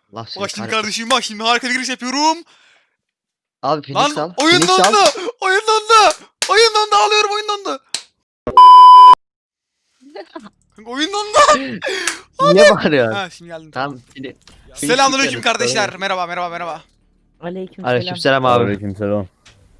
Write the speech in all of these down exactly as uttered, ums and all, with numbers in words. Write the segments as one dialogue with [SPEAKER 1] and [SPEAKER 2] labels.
[SPEAKER 1] Allah seni
[SPEAKER 2] Bak şimdi
[SPEAKER 1] kahretsin.
[SPEAKER 2] kardeşim bak şimdi harika bir giriş yapıyorum.
[SPEAKER 1] Abi Phoenix
[SPEAKER 2] Lan
[SPEAKER 1] al.
[SPEAKER 2] oyun
[SPEAKER 1] Phoenix al.
[SPEAKER 2] dondu. Oyun dondu. Oyun dondu alıyorum oyun dondu. Kanka oyun dondu.
[SPEAKER 1] Niye bağırıyorsun?
[SPEAKER 2] Ha şimdi geldim tamam.
[SPEAKER 1] Tamam. Phoenix.
[SPEAKER 2] Selamünaleyküm
[SPEAKER 1] Phoenix
[SPEAKER 2] kardeşler.
[SPEAKER 1] sorun
[SPEAKER 2] Merhaba merhaba merhaba.
[SPEAKER 3] Aleykümselam.
[SPEAKER 1] Aleykümselam abi.
[SPEAKER 4] Aleykümselam.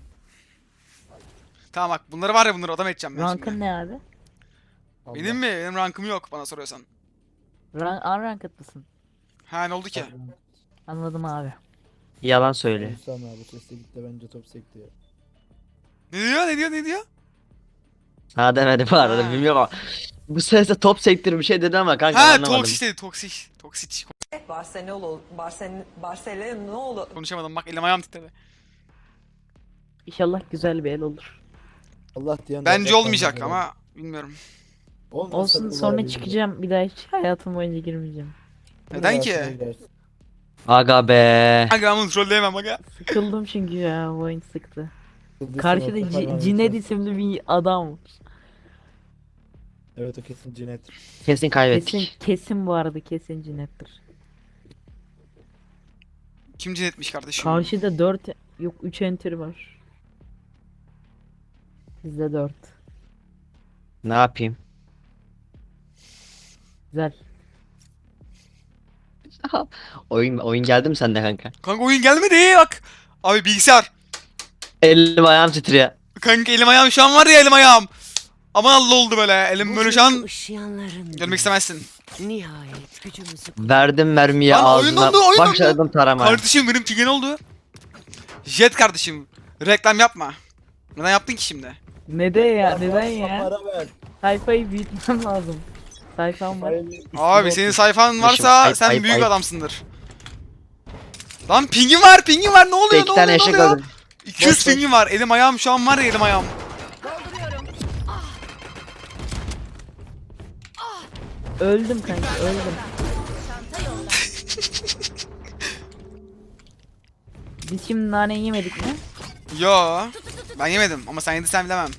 [SPEAKER 2] Tamam bak bunları var ya bunları adam edeceğim ben
[SPEAKER 3] Rankın
[SPEAKER 2] şimdi.
[SPEAKER 3] ne abi?
[SPEAKER 2] Benim mi? Benim rankım yok bana soruyorsan.
[SPEAKER 3] Rank, unranked mısın?
[SPEAKER 2] Ha ne oldu ki?
[SPEAKER 3] Anladım abi.
[SPEAKER 1] Yalan söyle.
[SPEAKER 5] Hüsam abi sesle gitti bence top sekti ya.
[SPEAKER 2] Ne diyor ne diyor ne diyor?
[SPEAKER 1] Ha demedi bu arada
[SPEAKER 2] Ha.
[SPEAKER 1] bilmiyorum ama. Bu sesle top sektir bir şey dedi ama kanka
[SPEAKER 2] Ha
[SPEAKER 1] anlamadım.
[SPEAKER 2] toksik dedi toksik. Toksik.
[SPEAKER 6] Barcelona, Barcelona, Barcelona
[SPEAKER 2] Konuşamadım bak elim ayağım titredi.
[SPEAKER 3] İnşallah güzel bir el olur.
[SPEAKER 5] Allah diyen
[SPEAKER 2] Bence
[SPEAKER 5] Allah
[SPEAKER 2] olmayacak
[SPEAKER 5] diyen-
[SPEAKER 2] ama bilmiyorum.
[SPEAKER 5] Olmasa
[SPEAKER 3] Olsun
[SPEAKER 5] da
[SPEAKER 3] sonra
[SPEAKER 5] olabilir.
[SPEAKER 3] çıkacağım. Bir daha hiç hayatım boyunca girmeyeceğim.
[SPEAKER 2] Neden
[SPEAKER 5] Rahatsız
[SPEAKER 2] ki?
[SPEAKER 5] edersin.
[SPEAKER 1] Aga be.
[SPEAKER 2] Kanka ben bunu trolleyemem aga.
[SPEAKER 3] Sıkıldım çünkü ya bu oyun sıktı.
[SPEAKER 5] Kıbrıs'ın
[SPEAKER 3] Karşıda
[SPEAKER 5] orta
[SPEAKER 3] C-
[SPEAKER 5] parmağını
[SPEAKER 3] Cinet
[SPEAKER 5] kes.
[SPEAKER 3] isimli bir adam.
[SPEAKER 5] Evet o kesin Cinet.
[SPEAKER 1] Kesin kaybettik.
[SPEAKER 3] Kesin kesin bu arada kesin Cinet'tir.
[SPEAKER 2] Kim cinetmiş kardeşim?
[SPEAKER 3] Karşıda dört yok üç enter var. Bizde dört.
[SPEAKER 1] Ne yapayım?
[SPEAKER 3] Güzel.
[SPEAKER 1] Oyun oyun geldi mi sende kanka?
[SPEAKER 2] Kanka oyun gelmedi bak. Abi bilgisayar.
[SPEAKER 1] Elim ayağım titriyor.
[SPEAKER 2] Kanka elim ayağım şu an var ya elim ayağım. Aman Allah oldu böyle. Elim böyle şu an görmek istemezsin.
[SPEAKER 6] Nihayet gücümüzü
[SPEAKER 1] Verdim mermiyi
[SPEAKER 2] Lan oyun
[SPEAKER 1] ağzına.
[SPEAKER 2] dondu, oyun dondu.
[SPEAKER 1] Başladım taramaya.
[SPEAKER 2] Kardeşim benim pingen oldu. Jet kardeşim. Reklam yapma. Neden yaptın ki şimdi?
[SPEAKER 3] Neden ya? Neden ya?
[SPEAKER 5] Para ver.
[SPEAKER 3] Sayfayı büyütmem lazım. Sayfam var.
[SPEAKER 5] Hayırlı üstüne
[SPEAKER 2] Abi
[SPEAKER 5] otur.
[SPEAKER 2] senin sayfan
[SPEAKER 1] Ayıp,
[SPEAKER 2] varsa
[SPEAKER 1] ayıp,
[SPEAKER 2] sen
[SPEAKER 1] ayıp,
[SPEAKER 2] büyük
[SPEAKER 1] ayıp.
[SPEAKER 2] adamsındır. Lan pingin var pingin var ne oluyor
[SPEAKER 1] İki
[SPEAKER 2] ne
[SPEAKER 1] tane
[SPEAKER 2] oluyor ne
[SPEAKER 1] eşek
[SPEAKER 2] oluyor?
[SPEAKER 1] öldüm.
[SPEAKER 2] iki yüz
[SPEAKER 5] Boş, boş.
[SPEAKER 2] pingin var elim ayağım şu an var ya elim ayağım.
[SPEAKER 3] Öldüm kanka öldüm. Biz şimdi nane yemedik mi?
[SPEAKER 2] Yo ben yemedim ama sen yediysen bilemem.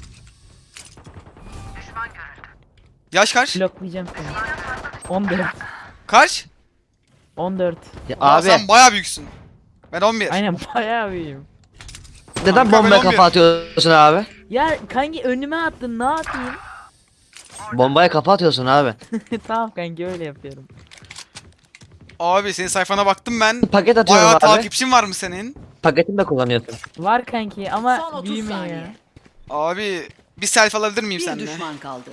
[SPEAKER 2] Yaş kaç?
[SPEAKER 3] Bloklayacağım seni. on dört.
[SPEAKER 2] Kaç?
[SPEAKER 3] on dört.
[SPEAKER 1] Ya
[SPEAKER 2] Aa,
[SPEAKER 1] abi
[SPEAKER 2] sen bayağı büyüksün. Ben on bir.
[SPEAKER 3] Aynen bayağı büyüğüm.
[SPEAKER 1] neden
[SPEAKER 2] Kanka, ben
[SPEAKER 1] bombaya
[SPEAKER 2] on bir.
[SPEAKER 1] kafa atıyorsun abi?
[SPEAKER 3] Ya kanki önüme attın ne yapayım?
[SPEAKER 1] Bombaya kafa atıyorsun abi.
[SPEAKER 3] Tamam kanki öyle yapıyorum.
[SPEAKER 2] Abi senin sayfana baktım ben.
[SPEAKER 1] Paket atıyorum
[SPEAKER 2] Bayağı
[SPEAKER 1] abi.
[SPEAKER 2] takipçin var mı senin?
[SPEAKER 1] Paketini de kullanıyorsun.
[SPEAKER 3] Var kanki
[SPEAKER 6] Son
[SPEAKER 3] ama
[SPEAKER 6] otuz
[SPEAKER 3] büyümüyor
[SPEAKER 6] saniye.
[SPEAKER 3] ya.
[SPEAKER 2] Abi bir selfie alabilir miyim
[SPEAKER 6] Bir
[SPEAKER 2] seninle?
[SPEAKER 6] düşman kaldı.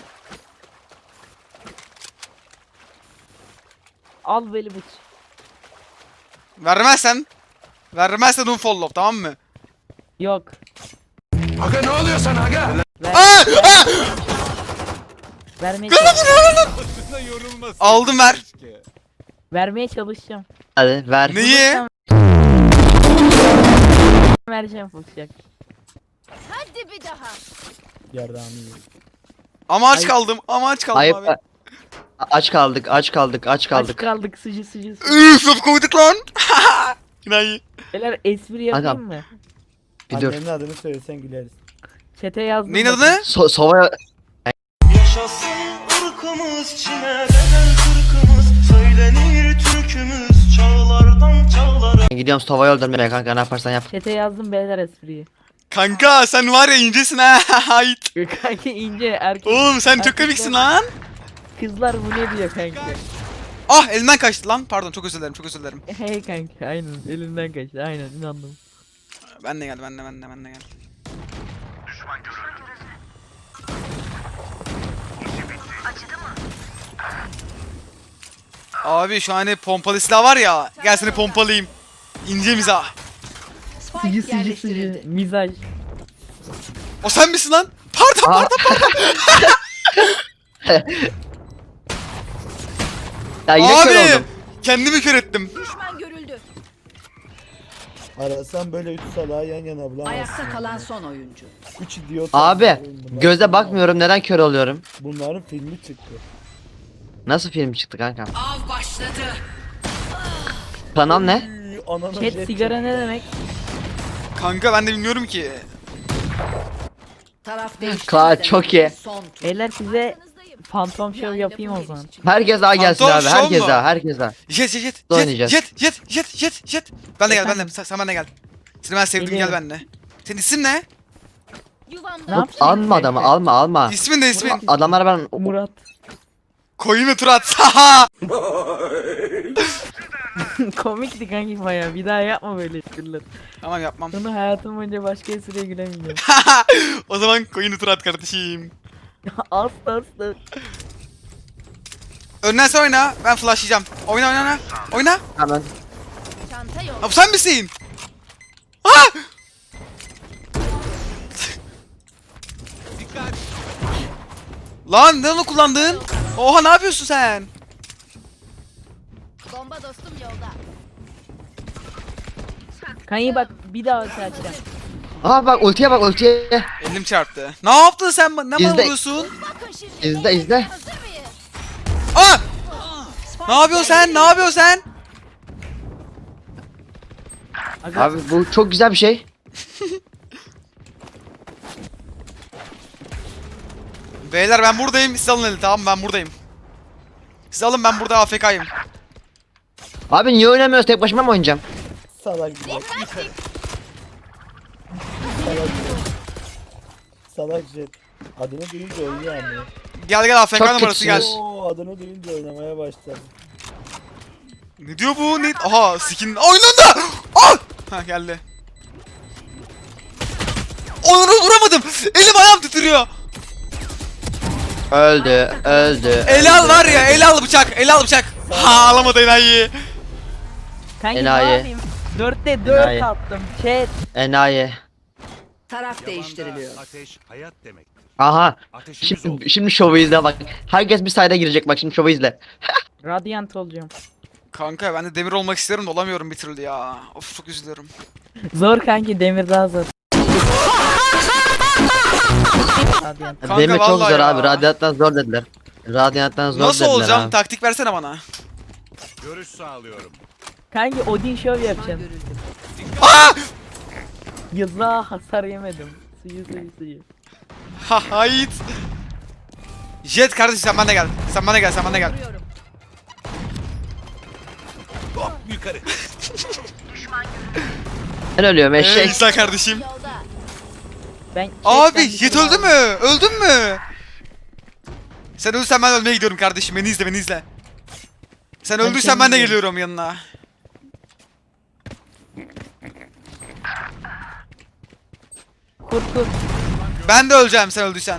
[SPEAKER 3] Al beni bıç.
[SPEAKER 2] Vermezsen vermezsen unfollow tamam mı?
[SPEAKER 3] Yok.
[SPEAKER 4] Aga ne oluyor sana aga?
[SPEAKER 3] Ver,
[SPEAKER 2] Aa! Aa!
[SPEAKER 3] vermeye, çalış-
[SPEAKER 2] Aldım ver.
[SPEAKER 3] vermeye çalışacağım.
[SPEAKER 1] Hadi ver.
[SPEAKER 2] Neyi?
[SPEAKER 3] Bulursam- Vereceğim fıkşak.
[SPEAKER 7] Hadi bir daha.
[SPEAKER 5] Yardımı iyi.
[SPEAKER 2] Ama aç
[SPEAKER 3] Ay-
[SPEAKER 2] kaldım. Ama aç kaldım
[SPEAKER 1] Ayıp.
[SPEAKER 2] abi.
[SPEAKER 1] A- Aç kaldık, aç kaldık, aç
[SPEAKER 3] Aç
[SPEAKER 1] kaldık.
[SPEAKER 3] kaldık sıcı sıcı sıcı.
[SPEAKER 2] Üf laf koyduk lan. Günayi.
[SPEAKER 3] Beyler espri yapayım mı?
[SPEAKER 1] Bir dur.
[SPEAKER 5] Annenin adını söylesen güleriz.
[SPEAKER 3] Çete yazdım.
[SPEAKER 2] Neyin
[SPEAKER 3] bakın.
[SPEAKER 2] adını?
[SPEAKER 1] So sova
[SPEAKER 8] Yaşasın ırkımız, çine bedel kırkımız, söylenir türkümüz, çağlardan çağlara.
[SPEAKER 1] gidiyorum sovayı öldürmeye kanka ne yaparsan yap.
[SPEAKER 3] Çete yazdım beyler espriyi.
[SPEAKER 2] Kanka sen var ya incesin ha. Hayt.
[SPEAKER 3] Kanki ince erkek.
[SPEAKER 2] Oğlum sen çok
[SPEAKER 3] erkekler-
[SPEAKER 2] komiksin lan.
[SPEAKER 3] Kızlar bu ne diyor kanki?
[SPEAKER 2] Ah elimden kaçtı lan. Pardon çok özür dilerim çok özür dilerim.
[SPEAKER 3] Hey kanki aynen elinden kaçtı aynen inandım.
[SPEAKER 2] Ben de geldi ben de ben de ben de geldi. Abi şu an hani pompalı silah var ya. Gel seni pompalayayım. İnce mizah.
[SPEAKER 3] Sıcı
[SPEAKER 6] Spike
[SPEAKER 3] sıcı
[SPEAKER 6] yerleştirildi.
[SPEAKER 3] sıcı mizaj.
[SPEAKER 2] O sen misin lan? Pardon
[SPEAKER 1] Aa.
[SPEAKER 2] pardon.
[SPEAKER 1] Ya yine kör
[SPEAKER 2] Abi
[SPEAKER 1] oldum.
[SPEAKER 2] kendimi kör ettim.
[SPEAKER 7] Düşman görüldü.
[SPEAKER 5] Arasan böyle üç salağı yan yana bulamazsın.
[SPEAKER 6] Ayakta kalan
[SPEAKER 5] yani.
[SPEAKER 6] son oyuncu.
[SPEAKER 5] Üç idiot.
[SPEAKER 1] Abi
[SPEAKER 5] Bunlar-
[SPEAKER 1] göze bakmıyorum neden kör oluyorum?
[SPEAKER 5] Bunların filmi çıktı.
[SPEAKER 1] Nasıl film çıktı kanka?
[SPEAKER 6] Av başladı.
[SPEAKER 1] Kanal ne?
[SPEAKER 5] Üy, anana
[SPEAKER 3] Chat
[SPEAKER 5] jet
[SPEAKER 3] sigara
[SPEAKER 5] çekti.
[SPEAKER 3] ne demek?
[SPEAKER 2] Kanka ben de bilmiyorum ki.
[SPEAKER 6] Taraf değişti.
[SPEAKER 1] Kla- çok iyi.
[SPEAKER 6] Son tur.
[SPEAKER 3] Beyler size Phantom show yapayım o zaman.
[SPEAKER 1] Herkes daha gelsin
[SPEAKER 2] Phantom
[SPEAKER 1] abi.
[SPEAKER 2] Show
[SPEAKER 1] Herkes
[SPEAKER 2] mu?
[SPEAKER 1] daha. Herkes daha.
[SPEAKER 2] Jet jet jet
[SPEAKER 1] Dur
[SPEAKER 2] jet
[SPEAKER 1] oynayacağız.
[SPEAKER 2] jet jet jet jet jet. Ben de gel ben de
[SPEAKER 3] Efendim?
[SPEAKER 2] sen, sen ben de gel. Seni ben sevdim gel
[SPEAKER 3] Geliyorum.
[SPEAKER 2] benimle. Senin isim ne?
[SPEAKER 3] Ne
[SPEAKER 7] Yuvamda
[SPEAKER 3] yapayım?
[SPEAKER 1] Alma adamı alma alma.
[SPEAKER 2] İsmin ne ismin?
[SPEAKER 1] Adamlara ben
[SPEAKER 3] Murat.
[SPEAKER 2] Koyun ve Turat. Haha.
[SPEAKER 3] Komikti kanki baya. Bir daha yapma böyle espriler.
[SPEAKER 2] Tamam yapmam.
[SPEAKER 3] Sonra hayatım boyunca başka espriye gülemeyeceğim.
[SPEAKER 2] O zaman koyun ve Turat kardeşim.
[SPEAKER 3] asla asla.
[SPEAKER 2] Önden sen oyna. Ben flashlayacağım. Oyna oyna oyna. Oyna.
[SPEAKER 1] hemen.
[SPEAKER 7] çanta yok.
[SPEAKER 2] Ha bu sen misin? Ha! Lan ne onu kullandın? Oha ne yapıyorsun sen?
[SPEAKER 7] Bomba dostum yolda.
[SPEAKER 3] Kanki bak bir daha açacağım.
[SPEAKER 1] Aa bak ultiye bak ultiye.
[SPEAKER 2] Elim çarptı. Ne yaptın sen? ba- Ne bana
[SPEAKER 1] İzle.
[SPEAKER 2] vuruyorsun?
[SPEAKER 7] Bakın şimdi.
[SPEAKER 1] İzle izle.
[SPEAKER 7] Hazır mıyız?
[SPEAKER 2] Aa! Ne yapıyorsun sen? Ne yapıyorsun sen?
[SPEAKER 3] Aga,
[SPEAKER 1] Abi bu çok güzel bir şey.
[SPEAKER 2] Beyler ben buradayım. Siz alın eli tamam mı? Ben buradayım. Siz alın ben burada A F K'yim.
[SPEAKER 1] Abi niye oynamıyoruz? Tek başıma mı oynayacağım?
[SPEAKER 5] Salak Jet. Salak Jet. Salak Jet. Adını duyunca oynuyor ama.
[SPEAKER 2] Gel gel A F K
[SPEAKER 1] Çok
[SPEAKER 2] numarası gel.
[SPEAKER 1] kötüsünüz.
[SPEAKER 5] Oo, adını duyunca oynamaya başladı.
[SPEAKER 2] Ne diyor bu? Ne? Aha skin oynandı. Ah! Ha geldi. Onu vuramadım. Elim ayağım titriyor.
[SPEAKER 1] Öldü öldü.
[SPEAKER 2] El al var ya, el al bıçak, el al bıçak. Ha alamadı enayi.
[SPEAKER 3] kanki ne
[SPEAKER 1] Enayi.
[SPEAKER 3] yapayım? Dörtte dört
[SPEAKER 1] Enayi.
[SPEAKER 3] attım. Chat.
[SPEAKER 1] Enayi.
[SPEAKER 6] Taraf değiştiriliyor.
[SPEAKER 4] Ateş hayat demektir.
[SPEAKER 1] Aha.
[SPEAKER 4] Ateşimiz olsun.
[SPEAKER 1] Şimdi, şimdi şovu izle bak. Herkes bir sayda girecek bak şimdi şovu izle.
[SPEAKER 3] Radiant olacağım.
[SPEAKER 2] Kanka ben de demir olmak isterim de olamıyorum bir türlü ya. Of çok üzülüyorum.
[SPEAKER 3] Zor kanki demir daha zor. Radiant.
[SPEAKER 2] Kanka
[SPEAKER 1] Demir çok
[SPEAKER 2] vallahi
[SPEAKER 1] zor
[SPEAKER 2] ya.
[SPEAKER 1] abi. Radyanttan zor dediler. Radyanttan zor
[SPEAKER 2] Nasıl
[SPEAKER 1] dediler
[SPEAKER 2] olacağım?
[SPEAKER 1] abi.
[SPEAKER 2] Taktik versene bana.
[SPEAKER 4] Görüş sağlıyorum.
[SPEAKER 3] Kanki Odin show yapacağım.
[SPEAKER 2] Aa!
[SPEAKER 3] Yılla hasar yemedim. Suyu suyu suyu.
[SPEAKER 2] Ha hayt. Jet kardeşim sen bana gel. Sen bana gel, sen bana gel.
[SPEAKER 7] Vuruyorum.
[SPEAKER 4] Hop yukarı.
[SPEAKER 1] Ben ölüyorum
[SPEAKER 2] Ee,
[SPEAKER 1] eşek.
[SPEAKER 2] İsa kardeşim.
[SPEAKER 7] Yolda.
[SPEAKER 3] Ben
[SPEAKER 2] Abi
[SPEAKER 3] chatten
[SPEAKER 2] Jet
[SPEAKER 3] bir
[SPEAKER 2] öldü mü? Öldün mü? Sen ölürsen ben ölmeye gidiyorum kardeşim. Beni izle, beni izle. Sen
[SPEAKER 3] Ben
[SPEAKER 2] öldüysen ben de
[SPEAKER 3] kendim
[SPEAKER 2] geliyorum yanına.
[SPEAKER 3] Kur kur.
[SPEAKER 2] Ben de öleceğim sen öldüysen.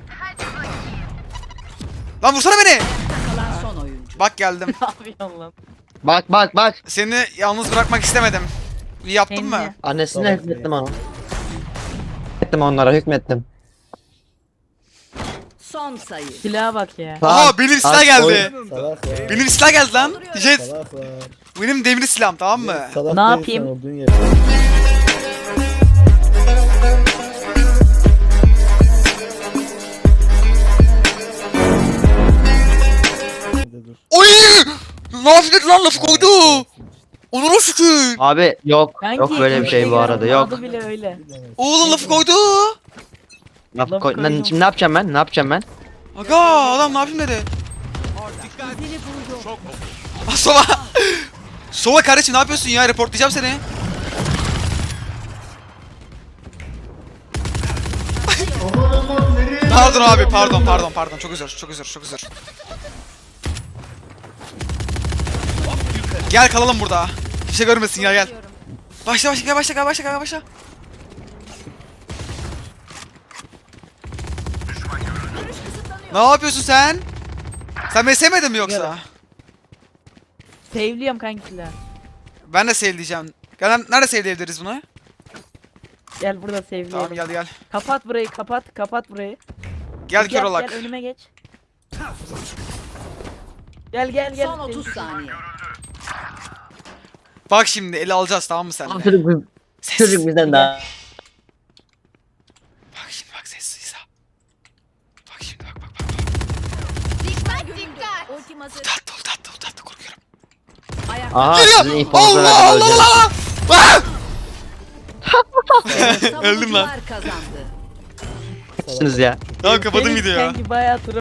[SPEAKER 2] Lan vursana beni.
[SPEAKER 6] Kalan son oyuncu.
[SPEAKER 2] Bak geldim.
[SPEAKER 3] Ne yapıyorsun lan?
[SPEAKER 1] Bak bak bak.
[SPEAKER 2] Seni yalnız bırakmak istemedim. İyi yaptın mı?
[SPEAKER 3] Kendine.
[SPEAKER 1] Annesine
[SPEAKER 5] Tamam,
[SPEAKER 1] hükmettim ona. Hükmettim onlara hükmettim.
[SPEAKER 6] Son sayı.
[SPEAKER 3] Silaha bak ya.
[SPEAKER 2] Aha benim silah
[SPEAKER 1] Bak,
[SPEAKER 2] geldi.
[SPEAKER 1] oyun-
[SPEAKER 5] Salak ya.
[SPEAKER 2] Benim silah geldi lan. Jet
[SPEAKER 5] Salak var.
[SPEAKER 2] benim demir silahım tamam mı?
[SPEAKER 5] Salak
[SPEAKER 3] Ne
[SPEAKER 5] değilsen
[SPEAKER 3] yapayım?
[SPEAKER 5] olduğun yerde. Nerede dur.
[SPEAKER 2] Oy! Ne yaptın lan lafı koydu. Onur'a şükür.
[SPEAKER 1] Abi yok.
[SPEAKER 3] Kanki,
[SPEAKER 1] Yok böyle bir şey bu arada yok.
[SPEAKER 3] Adı bile öyle.
[SPEAKER 5] Bilemez.
[SPEAKER 2] Oğlum lafı koydu.
[SPEAKER 1] Laf
[SPEAKER 3] Laf
[SPEAKER 1] koy-
[SPEAKER 3] koydum.
[SPEAKER 1] Lan şimdi ne yapacağım ben? Ne yapacağım ben?
[SPEAKER 2] Aga adam ne yapayım dedi. Ah, Sova. Sova kardeşim ne yapıyorsun ya? Reportlayacağım seni. Pardon abi pardon pardon pardon çok özür çok özür çok özür. Gel kalalım burada. Kimse görmesin ya gel. Başla başla gel başla gel başla gel başla. Ne yapıyorsun sen? Sen beni sevmedin mi yoksa?
[SPEAKER 3] Sevliyorum kanki silahı.
[SPEAKER 2] Ben de sevdiyeceğim. Gel nerede sevdiyebiliriz bunu?
[SPEAKER 3] Gel burada sevliyorum.
[SPEAKER 2] Tamam gel gel.
[SPEAKER 3] Kapat burayı kapat kapat burayı.
[SPEAKER 2] Gel kör olak.
[SPEAKER 3] Gel önüme geç. Gel gel gel.
[SPEAKER 6] Son otuz saniye.
[SPEAKER 2] Bak şimdi eli alacağız tamam mı sen de?
[SPEAKER 1] Çocuk, biz- çocuk bizden daha.
[SPEAKER 2] Bak şimdi bak sessiz ha. Bak şimdi bak bak bak.
[SPEAKER 7] Dikkat dikkat. Ultim hazır.
[SPEAKER 2] Tatlı ol tatlı ol tatlı korkuyorum.
[SPEAKER 6] Ayakta
[SPEAKER 1] Aha sizin
[SPEAKER 2] Geliyor.
[SPEAKER 1] infonuzu
[SPEAKER 2] Allah
[SPEAKER 1] verdim
[SPEAKER 2] Allah
[SPEAKER 1] öleceğim.
[SPEAKER 2] Allah. Ah!
[SPEAKER 6] savunucular
[SPEAKER 2] Öldüm lan.
[SPEAKER 6] kazandı.
[SPEAKER 1] Siz ya.
[SPEAKER 2] Tamam kapadım
[SPEAKER 3] Senin
[SPEAKER 2] videoyu.
[SPEAKER 3] Kanki bayağı tura